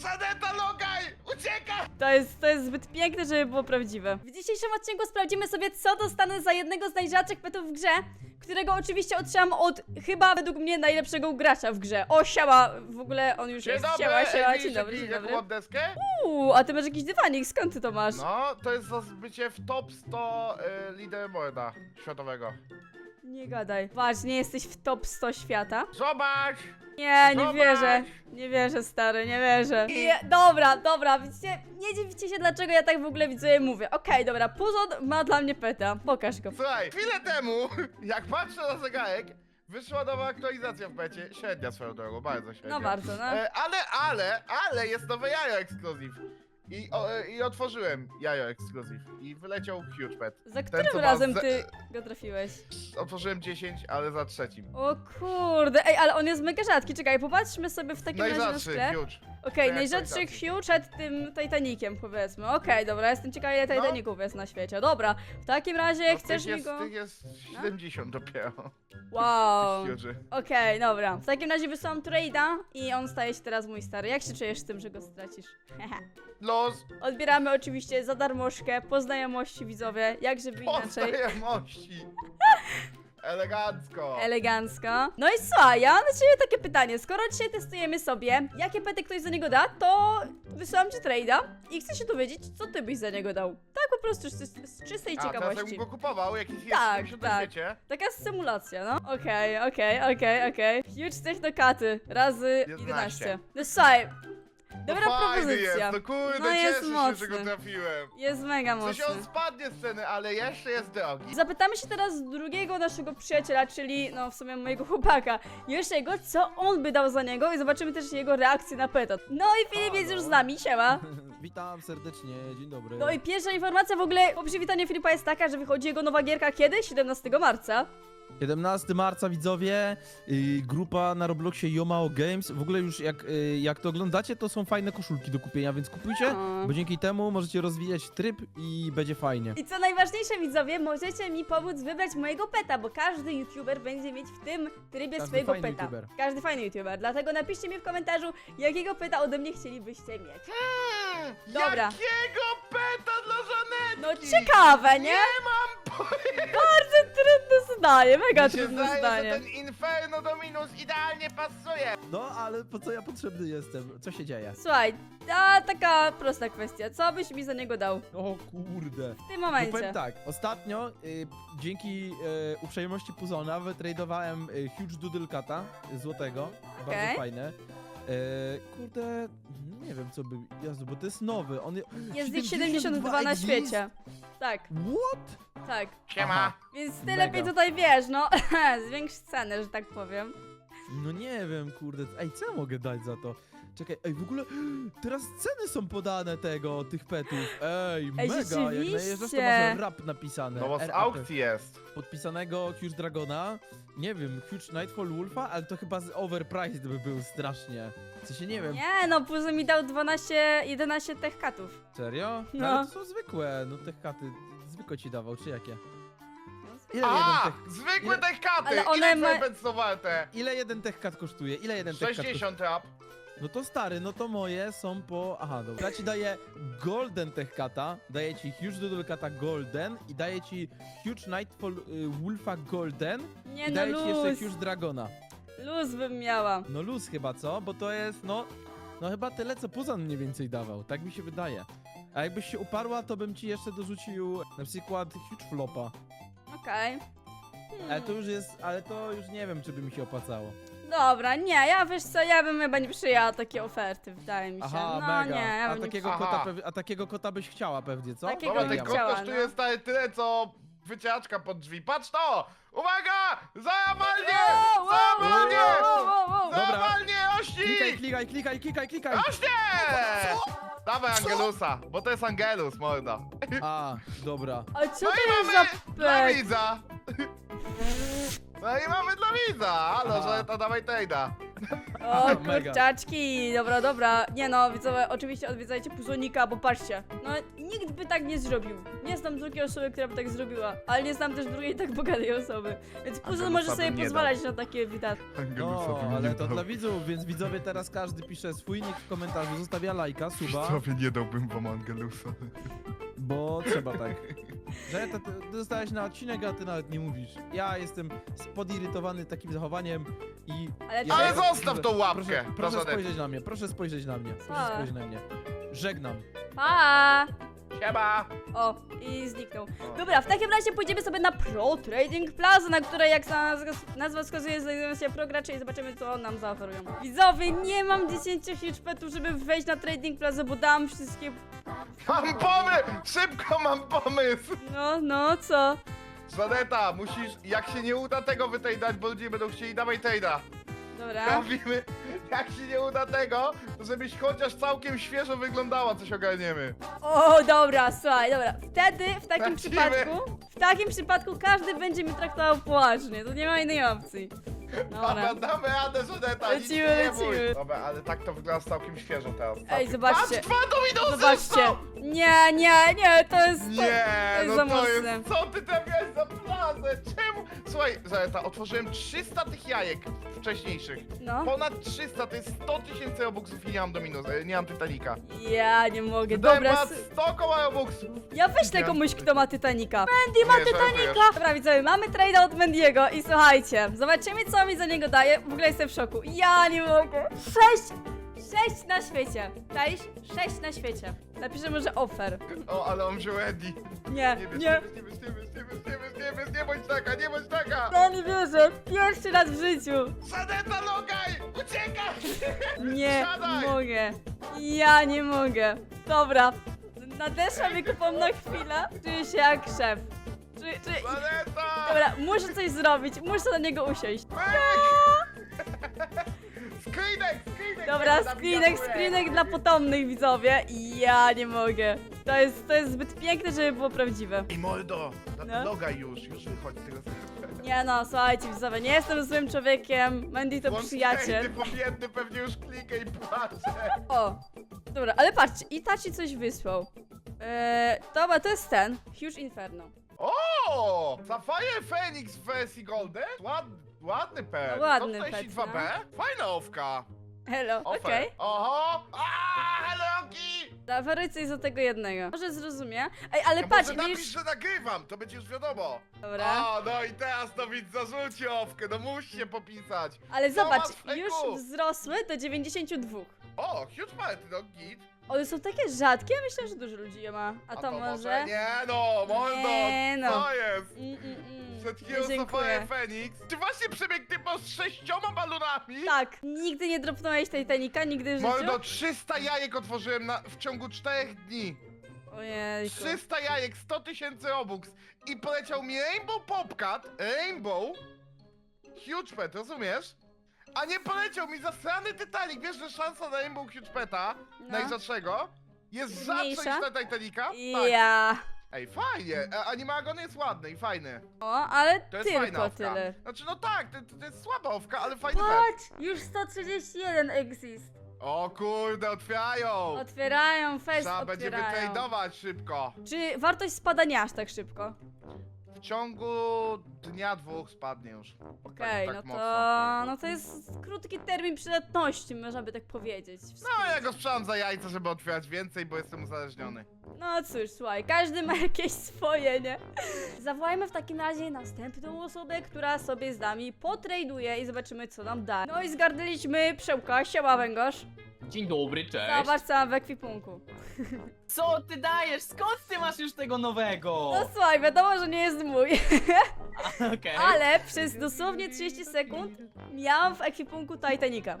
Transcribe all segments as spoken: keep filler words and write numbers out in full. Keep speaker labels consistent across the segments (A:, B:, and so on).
A: Żaneta, logaj! Uciekaj!
B: To jest, to jest zbyt piękne, żeby było prawdziwe. W dzisiejszym odcinku sprawdzimy sobie, co dostanę za jednego z najrzadszych petów w grze, którego oczywiście otrzymam od chyba według mnie najlepszego gracza w grze. O, siema! W ogóle on już
A: Dzień
B: jest.
A: dobry,
B: Siema, siema,
A: Ej,
B: dzień dobry, dzień
A: jaką
B: dobry.
A: mam deskę?
B: Uuu, a ty masz jakiś dywanik, skąd ty to masz?
A: No, to jest za zbycie w top sto y, lider morda światowego.
B: Nie gadaj. Patrz, nie jesteś w top sto świata?
A: Zobacz!
B: Nie, nie
A: Zobacz!
B: wierzę. Nie wierzę, stary, nie wierzę. Nie, dobra, dobra, widzicie, nie dziwicie się, dlaczego ja tak w ogóle widzowie mówię. Okej, dobra, Puzon ma dla mnie peta. Pokaż go.
A: Słuchaj, chwilę temu, jak patrzę na zegarek, wyszła nowa aktualizacja w pecie. Średnia swoją drogą, bardzo średnia.
B: No bardzo, no.
A: E, ale, ale, ale jest nowe jajo ekskluzyw. I, o, e, I otworzyłem jajo ekskluzyw. I wyleciał huge pet.
B: Za
A: Ten,
B: którym
A: co ma
B: razem
A: ze-
B: ty go trafiłeś?
A: Otworzyłem dziesięć, ale za trzecim.
B: O kurde, ej, ale on jest mega rzadki. Czekaj, popatrzmy sobie w takim razie na
A: Najrzadszy,
B: sklep.
A: huge.
B: Okej,
A: To
B: najrzadszy
A: jak
B: Hugh przed tym Titanikiem, powiedzmy. Okej, dobra, jestem ciekawa, ile
A: No.
B: Titaników jest na świecie. Dobra, w takim razie
A: No,
B: chcesz
A: tych
B: mi
A: jest,
B: go...
A: Tych jest siedemdziesiąt dopiero.
B: Wow.
A: Tych huge'y.
B: Okej, dobra. W takim razie wysyłam trade'a i on staje się teraz mój stary. Jak się czujesz z tym, że go stracisz?
A: Los,
B: Odbieramy oczywiście za darmożkę, po znajomości widzowie, jak żeby inaczej.
A: poznajomości. Elegancko.
B: Elegancko. No i słuchaj, ja mam do ciebie takie pytanie. Skoro dzisiaj testujemy sobie, jakie pety ktoś za niego da, to wysyłam ci trade'a i chcę się dowiedzieć, co ty byś za niego dał. Tak po prostu z, z czystej
A: A, teraz
B: ciekawości.
A: jakbym go kupował, jakiś jest
B: Tak,
A: tak,
B: tak.
A: na świecie.
B: Taka symulacja, no. Okej, okej, okej, okej. Huge technokaty razy jedenaście. No słuchaj, dobra
A: no fajny
B: propozycja.
A: jest, no kurde,
B: No jest
A: cieszę się,
B: mocny.
A: że go trafiłem.
B: Jest mega
A: W sensie
B: mocny.
A: on spadnie z ceny, ale jeszcze jest drogi.
B: Zapytamy się teraz drugiego naszego przyjaciela, czyli no w sumie mojego chłopaka, Josiego, co on by dał za niego i zobaczymy też jego reakcję na peta. No i Filip jest już z nami, siema.
C: Witam serdecznie, dzień dobry.
B: No i pierwsza informacja w ogóle po przywitaniu Filipa jest taka, że wychodzi jego nowa gierka kiedy? siedemnastego marca.
C: siedemnastego marca widzowie, y, grupa na Robloxie Yomao Games. W ogóle już jak, y, jak to oglądacie, to są fajne koszulki do kupienia, więc kupujcie,
B: O.
C: bo dzięki temu możecie rozwijać tryb i będzie fajnie.
B: I co najważniejsze widzowie, możecie mi pomóc wybrać mojego peta, bo każdy youtuber będzie mieć w tym trybie
C: Każdy
B: swojego
C: fajny
B: peta.
C: youtuber.
B: Każdy fajny youtuber, dlatego napiszcie mi w komentarzu, jakiego peta ode mnie chcielibyście mieć.
A: Hmm,
B: Dobra.
A: Jakiego peta dla Żanetki?
B: No ciekawe, nie?
A: Nie mam pojęcia.
B: Bardzo trudne zdanie, mega
A: Mi się
B: trudne
A: zdaje,
B: zdanie.
A: że ten Inferno Dominus idealnie pasuje.
C: No, ale po co ja potrzebny jestem? Co się dzieje?
B: Słuchaj, a taka prosta kwestia, co byś mi za niego dał
C: O kurde.
B: w tym
C: No
B: momencie?
C: powiem tak, ostatnio y, dzięki y, uprzejmości Puzona wytradowałem y, Huge Doodle Cata y, złotego,
B: Okej.
C: bardzo fajne. Y, kurde, nie wiem co by, Jezu, bo to jest nowy, on
B: Jest ich siedemdziesiąt dwa na
C: exist?
B: świecie. Tak,
C: What?
B: tak.
A: Siema.
C: Aha.
B: Więc ty
C: Mega.
B: lepiej tutaj wiesz, no, zwiększ cenę, że tak powiem.
C: No nie wiem, kurde, ej, co ja mogę dać za to? Czekaj, ej, w ogóle teraz ceny są podane tego, tych petów, ej, mega, jak najeżdżasz to
B: rzeczywiście.
C: masz rap napisane.
A: No bo z
C: R A P.
A: aukcji jest.
C: Podpisanego Huge Dragona, nie wiem, Huge Nightfall Wolfa, ale to chyba z overpriced by był strasznie. W sensie nie wiem,
B: Nie no, Puzo mi dał dwanaście, jedenaście tech katów.
C: serio? No.
B: No.
C: Ale to są zwykłe, no te katy, zwykłe ci dawał, czy jakie? Ile
A: A,
C: jeden tech,
A: zwykłe
C: ile-
A: tech katy.
B: Ale one
A: Ile
B: ma-
A: twoje pety są warte?
C: ile jeden tech kat kosztuje? Ile jeden tech kat kosztuje?
A: sześćdziesiąt rap.
C: No to stary, no to moje są po... Aha, dobra. Ja ci daję Golden Tech Cata, daję ci Huge Doodle Cata Golden i daję ci Huge Nightfall y, Wolfa Golden
B: Nie
C: i
B: no,
C: daję ci jeszcze
B: luz,
C: Huge Dragona.
B: luz bym miała.
C: No luz chyba, co? Bo to jest, no... No chyba tyle, co Puzan mniej więcej dawał, tak mi się wydaje. A jakbyś się uparła, to bym ci jeszcze dorzucił na przykład Huge Flopa.
B: Okej.
C: Ale to już jest, ale to już nie wiem, czy by mi się opłacało.
B: Dobra, nie, ja wiesz co, ja bym chyba nie przyjęła takiej oferty, wydaje mi się.
C: Aha,
B: no
C: mega.
B: nie, ja
C: a,
B: bym nie
C: takiego
A: Aha.
C: kota pew- a takiego kota byś chciała pewnie, co?
B: Takiego
A: Dobra,
B: bym
A: ten
C: Dobra,
A: kot
B: chciała,
A: kosztuje
B: no.
A: stary tyle, co wycieraczka pod drzwi. Patrz to! Uwaga! Załamanie!
B: Wow, wow,
A: Załamanie!
B: wow, wow, wow.
C: Dobra.
A: Załamanie!
C: Klikaj,
A: Ości!
C: klikaj, klikaj, klikaj, klikaj!
A: Oście! Dawaj Angelusa, bo to jest Angelus, morda.
C: A, dobra.
B: A co
A: No
B: to
A: i
B: jest
A: mamy
B: za
A: dla
B: pet?
A: widza! No i mamy dla widza! Halo,
C: Aha.
A: że to dawaj tejda.
B: O,
C: Mega.
B: kurczaczki, dobra, dobra. Nie no, widzowie, oczywiście odwiedzajcie Puzonika, bo patrzcie. No, nikt by tak nie zrobił. Nie znam drugiej osoby, która by tak zrobiła, ale nie znam też drugiej tak bogatej osoby. Więc Puzon
A: Angelusa
B: może sobie
A: bym nie
B: pozwalać na takie widać.
C: No, ale to dla widzów, więc widzowie teraz każdy pisze swój nick w komentarzu, zostawia lajka, suba,
A: Widzowie, nie dałbym wam Angelusa.
C: bo trzeba tak. Że to, ty dostałeś na odcinek, a ty nawet nie mówisz. Ja jestem podirytowany takim zachowaniem i...
B: Ale
C: ja-
A: Ale
B: ty-
A: zostaw tą łapkę,
C: Proszę, proszę
A: proszę.
C: spojrzeć na mnie, proszę spojrzeć na mnie, proszę
B: Co?
C: spojrzeć na mnie. Żegnam.
B: Pa!
A: Siema!
B: O, i zniknął. Dobra, w takim razie pójdziemy sobie na Pro Trading Plaza, na której, jak nazwa- nazwa wskazuje, znajdują się progracze i zobaczymy, co nam zaoferują. Widzowie, nie mam dziesięciu huge petów, żeby wejść na Trading Plaza, bo dam wszystkie...
A: Mam pomysł! Szybko mam pomysł!
B: No, no, co?
A: Żaneta, musisz, jak się nie uda tego wytejdać, bo ludzie będą chcieli, dawaj tejda.
B: Dobra.
A: Mówimy, jak się nie uda tego, to żebyś chociaż całkiem świeżo wyglądała, coś ogarniemy.
B: O, dobra, słuchaj, dobra. Wtedy, w takim
A: Lecimy.
B: przypadku, w takim przypadku każdy będzie mnie traktował poważnie, to nie ma innej opcji. Dobra.
A: Dobra, damy radę, Żaneta, nic
B: Lecimy,
A: się nie bój.
B: lecimy.
A: Dobra, ale tak to wygląda całkiem świeżo teraz.
B: Ej, zobaczcie.
A: Patrz, dwa dominosy
B: Zobaczcie.
A: został!
B: Nie, nie, nie, to jest... To,
A: Nie,
B: to jest
A: no
B: za
A: to
B: mocne.
A: jest, co ty trafiałeś za plazę? Czemu? Słuchaj, Żaneta, otworzyłem trzysta tych jajek wcześniejszych.
B: No.
A: Ponad trzysta, to jest sto tysięcy robuxów i nie mam dominos, e, nie mam Titanica.
B: Ja nie mogę,
A: Dobra,
B: dobra.
A: ponad
B: s-
A: sto koła robuxów.
B: Ja wyślę
A: Nie.
B: komuś, kto ma Titanica. Mandy ma
A: Nie, żartujesz.
B: Titanica! Dobra, widzowie, mamy trade'a od Mandiego i słuchajcie, zobaczymy, co mi za niego daje. W ogóle jestem w szoku. Ja nie mogę. Sześć! Sześć na świecie. Cześć? Sześć na świecie. Napiszę może offer.
A: O, ale on wziął Eddie.
B: Nie,
A: Nie wiesz,
B: nie.
A: nie wiesz, nie wiesz, nie wiesz, nie wiesz, nie wiesz, nie wiesz, nie bądź taka, nie bądź taka!
B: Ja nie wierzę. Pierwszy raz w życiu.
A: Żaneta, logaj! Uciekaj!
B: Nie
A: Siadaj!
B: mogę. Ja nie mogę. Dobra. Nadeszła mi kupon na chwilę. Czuję się jak szef. Czy, czy...
A: Żaneta!
B: Dobra, muszę coś zrobić. Muszę na niego usiąść.
A: Screenek, screenek!
B: Dobra,
A: nie ma
B: screenek,
A: nawigatora.
B: screenek dla potomnych, widzowie. Ja nie mogę. To jest, to jest zbyt piękne, żeby było prawdziwe.
A: Ej, mordo!
B: No.
A: No. Logaj już, już wychodź z tego sklepu.
B: Nie no, słuchajcie, widzowie, nie jestem złym człowiekiem. Mandy to
A: Włącz
B: przyjaciel.
A: Ty pobiedny pewnie już klikę i patrzę.
B: O, dobra, ale patrzcie, i ta ci coś wysłał. Eee, dobra, to jest ten. Huge Inferno.
A: O! Sapphire Phoenix w wersji Golden? Ład, ładny pet.
B: No, ładny
A: sto czterdzieści dwa
B: pet,
A: B? Fajna owka.
B: Hello,
A: Offer.
B: okej.
A: Oho! Aaaa, helloki!
B: Zaoferuj coś za tego jednego. Może zrozumie. Ej, ale
A: No
B: patrz,
A: może napisz,
B: widzisz...
A: że nagrywam, to będzie już wiadomo.
B: Dobra.
A: O, no i teraz to widz zarzuci owkę, no musi się popisać.
B: Ale
A: Co
B: zobacz,
A: masz w ręku?
B: już wzrosły do dziewięćdziesięciu dwóch.
A: O, huge party, no git.
B: One są takie rzadkie, myślę, że dużo ludzi je ma. A, to, może...
A: Nie no, mordo,
B: Nie no.
A: co jest?
B: Mm, mm, mm.
A: Przed chwilą
B: Nie,
A: Sapphire
B: dziękuję.
A: Phoenix. Czy właśnie przebiegł typo z sześcioma balonami?
B: Tak, nigdy nie dropnąłeś Titanica, nigdy w życiu?
A: Mordo, trzysta jajek otworzyłem na, w ciągu czterech dni.
B: Ojejku.
A: trzysta jajek, sto tysięcy robux. I poleciał mi Rainbow Popcat, Rainbow, Huge Pet, rozumiesz? A nie poleciał mi zasrany Titanic. Wiesz, że szansa na Rainbow Huge Peta,
B: No.
A: najrzadszego, jest rzadsza niż
B: Mniejsza?
A: na Titanica? Tak.
B: Ja.
A: Ej, fajnie. A Animagon jest ładny i fajny.
B: O, ale
A: To jest fajna
B: tylko
A: owka.
B: tyle.
A: Znaczy, no tak, to, to jest słaba owka, ale fajny pet.
B: Patrz, już sto trzydzieści jeden exist.
A: O kurde, otwierają.
B: Otwierają, fest
A: Trzeba będzie
B: otwierają.
A: wytradować szybko.
B: Czy wartość spada nie aż tak szybko?
A: W ciągu dnia, dwóch spadnie już.
B: Okej,
A: tak
B: no to...
A: mocno.
B: No to jest krótki termin przydatności, można by tak powiedzieć. W
A: No, ja go sprzedam za jajca, żeby otwierać więcej, bo jestem uzależniony.
B: No cóż, słuchaj, każdy ma jakieś swoje, nie? Zawołajmy w takim razie następną osobę, która sobie z nami potraduje i zobaczymy, co nam da. No i zgarnęliśmy Przełka, siema węgorz.
D: Dzień dobry, cześć.
B: Zobacz, co mam w ekwipunku.
D: Co ty dajesz? Skąd ty masz już tego nowego?
B: No słuchaj, wiadomo, że nie jest mój,
D: Okej.
B: ale przez dosłownie trzydzieści sekund miałam w ekwipunku Titanica.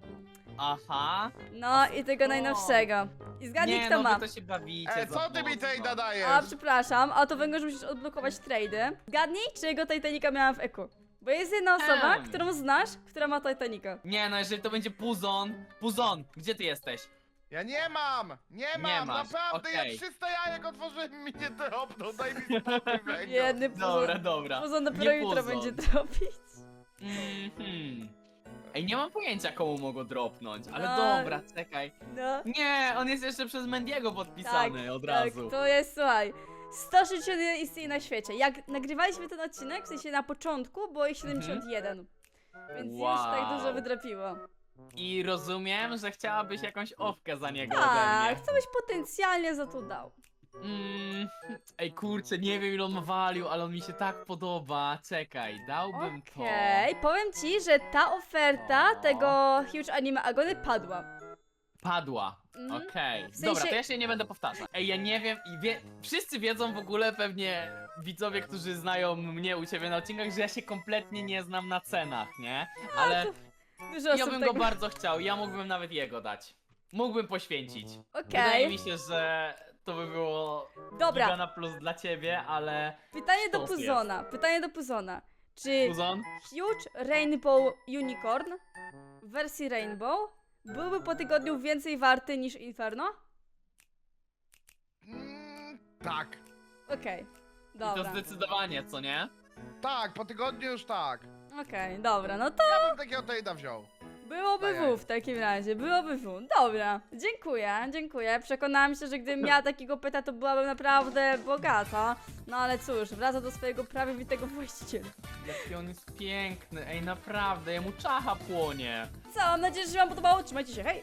D: Aha.
B: No i tego
D: O.
B: najnowszego. I zgadnij,
D: Nie,
B: kto
D: no
B: ma.
D: wy to się bawicie
A: E,
D: za
A: co ty mi
D: mocno.
A: tej nadajesz?
B: A, przepraszam, a to węgorz musisz odblokować trady. Zgadnij, czyjego Titanica miałam w eku. Bo jest jedna osoba,
D: Em.
B: którą znasz, która ma Titanica.
D: Nie, no jeżeli to będzie Puzon. Puzon, gdzie ty jesteś?
A: Ja nie mam! Nie mam!
D: masz,
A: Naprawdę,
D: okej.
A: ja trzysta jajek otworzyłem i mi nie dropnął, daj mi spokój, węgiel.
B: Jedny
D: Dobra,
B: puzon.
D: dobra.
B: Puzon dopiero
D: Nie
B: jutro
D: Puzon.
B: będzie dropić.
D: Mhm. Ej, nie mam pojęcia komu mogło dropnąć, ale
B: No.
D: dobra, czekaj.
B: No.
D: Nie, on jest jeszcze przez Mendiego podpisany od razu.
B: Tak, to jest, słuchaj, sto sześćdziesiąt jeden istnieje na świecie. Jak nagrywaliśmy ten odcinek, w sensie na początku, było ich siedemdziesiąt jeden. Więc już tak
D: Wow.
B: dużo wydrapiło.
D: I rozumiem, że chciałabyś jakąś owkę za niego ode
B: Tak,
D: mnie.
B: co byś potencjalnie za to dał?
D: Mm, ej, kurczę, nie wiem ile on ma value, ale on mi się tak podoba. Czekaj, dałbym
B: Okej, powiem ci, że ta oferta
D: O.
B: tego Huge Anime Agony padła.
D: to. Padła.
B: Mhm.
D: Okej.
B: W sensie-
D: Dobra, to ja się nie będę powtarzać. Ej, ja nie wiem i wie... wszyscy wiedzą w ogóle pewnie widzowie, którzy znają mnie u ciebie na odcinkach, że ja się kompletnie nie znam na cenach, nie? Ale
B: Dużo
D: ja
B: osób
D: bym
B: tak...
D: go bardzo chciał, ja mógłbym nawet jego dać. Mógłbym poświęcić.
B: Okej,
D: Wydaje mi się, że to by było
B: dobra,
D: giga na plus dla ciebie, ale...
B: pytanie do
D: sztos
B: Puzona, pytanie do Puzona. Czy
D: Puzon?
B: Huge Rainbow Unicorn w wersji Rainbow byłby po tygodniu więcej warty niż Inferno?
A: Mm, tak.
B: Okej,
D: I to
B: dobra,
D: zdecydowanie, co nie?
A: Tak, po tygodniu już tak.
B: okej, dobra, no to
A: Ja bym takiego trade'a wziął.
B: byłoby
A: Dajaj.
B: W w takim razie, byłoby W. Dobra, dziękuję, dziękuję. Przekonałam się, że gdybym miała takiego pyta, to byłabym naprawdę bogata. No ale cóż, wraca do swojego prawowitego właściciela.
D: Jaki on jest piękny, ej naprawdę, jemu czacha płonie.
B: Co, mam nadzieję, że się wam podobało. Trzymajcie się, hej!